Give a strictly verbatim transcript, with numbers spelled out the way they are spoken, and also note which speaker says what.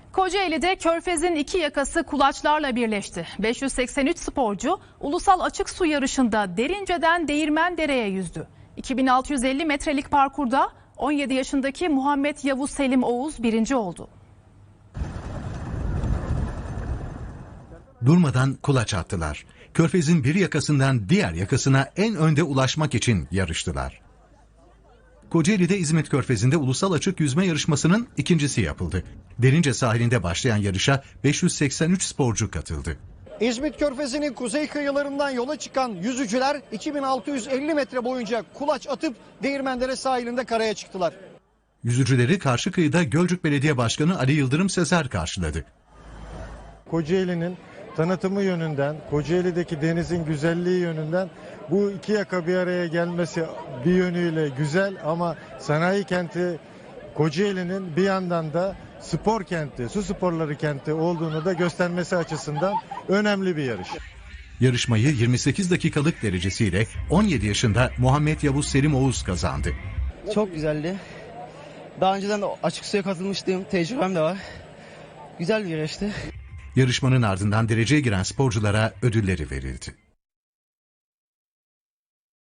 Speaker 1: Kocaeli'de Körfez'in iki yakası kulaçlarla birleşti. beş yüz seksen üç sporcu ulusal açık su yarışında Derince'den Değirmendere'ye yüzdü. iki bin altı yüz elli metrelik parkurda on yedi yaşındaki Muhammed Yavuz Selim Oğuz birinci oldu.
Speaker 2: Durmadan kulaç attılar. Körfez'in bir yakasından diğer yakasına en önde ulaşmak için yarıştılar. Kocaeli'de İzmit Körfezi'nde ulusal açık yüzme yarışmasının ikincisi yapıldı. Derince sahilinde başlayan yarışa beş yüz seksen üç sporcu katıldı.
Speaker 3: İzmit Körfezi'nin kuzey kıyılarından yola çıkan yüzücüler iki bin altı yüz elli metre boyunca kulaç atıp Değirmendere sahilinde karaya çıktılar.
Speaker 2: Yüzücüleri karşı kıyıda Gölcük Belediye Başkanı Ali Yıldırım Sezer karşıladı.
Speaker 4: Kocaeli'nin tanıtımı yönünden, Kocaeli'deki denizin güzelliği yönünden bu iki yaka bir araya gelmesi bir yönüyle güzel ama sanayi kenti Kocaeli'nin bir yandan da spor kenti, su sporları kenti olduğunu da göstermesi açısından önemli bir yarış.
Speaker 2: Yarışmayı yirmi sekiz dakikalık derecesiyle on yedi yaşında Muhammed Yavuz Selim Oğuz kazandı.
Speaker 5: Çok güzeldi. Daha önceden de açık suya katılmıştım. Tecrübem de var. Güzel bir yarıştı.
Speaker 2: Yarışmanın ardından dereceye giren sporculara ödülleri verildi.